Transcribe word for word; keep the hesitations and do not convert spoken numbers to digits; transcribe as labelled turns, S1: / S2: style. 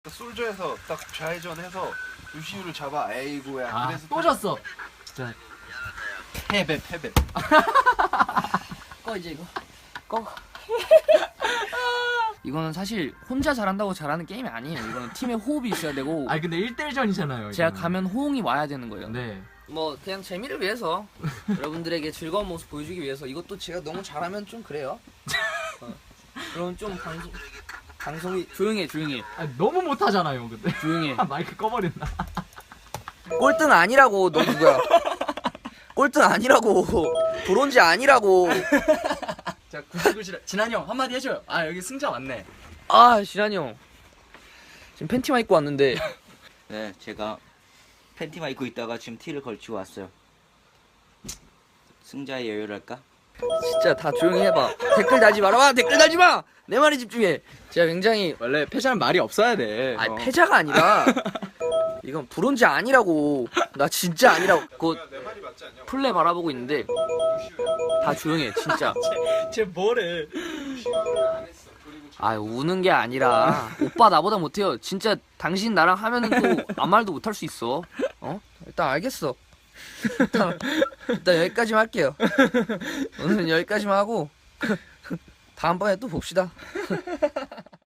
S1: 솔저에서 딱 좌회전해서 루시우를 잡아. 아이고야.
S2: 아,
S1: 그래서
S2: 또 졌어. 자,
S1: 패배 패배.
S3: 꺼 이제 이거 꺼. 이거는 사실 혼자 잘한다고 잘하는 게임이 아니에요. 이거는 팀의 호흡이 있어야 되고
S2: 아니 근데 일 대일 전이잖아요.
S3: 제가
S2: 이거는.
S3: 가면 호응이 와야 되는 거예요.
S2: 네.
S3: 뭐 그냥 재미를 위해서 여러분들에게 즐거운 모습 보여주기 위해서 이것도 제가 너무 잘하면 좀 그래요. 어. 그럼 좀 방송 방송이 조용해 조용해
S2: 아, 너무 못하잖아요, 근데.
S3: 조용해.
S2: 마이크 꺼버린다.
S3: 꼴등 아니라고. 너 누구야? 꼴등 아니라고. 브론즈 아니라고.
S4: 자, 구시구시 진한이 형 한마디 해줘요. 아, 여기 승자 왔네.
S3: 아 지란이 형 지금 팬티만 입고 왔는데
S5: 네, 제가 팬티만 입고 있다가 지금 티를 걸치고 왔어요. 승자의 여유랄까?
S3: 진짜 다 조용히 해봐. 댓글 달지 말아봐. 댓글 달지 마. 내 말에 집중해. 제가 굉장히
S4: 원래 패자는 말이 없어야 돼.
S3: 아니
S4: 어.
S3: 패자가 아니라 이건 브론즈 아니라고. 나 진짜 아니라고. 그
S1: 내 말이 맞지 않냐?
S3: 플레 바라보고 있는데 다 조용해 진짜.
S4: 쟤 뭐래?
S1: 루시우를 안 했어. 그리고
S3: 아 우는 게 아니라 오빠 나보다 못해요. 진짜 당신 나랑 하면은 또 아무 말도 못할 수 있어. 어? 일단 알겠어. 일단, 일단 여기까지만 할게요. 오늘은 여기까지만 하고 다음번에 또 봅시다.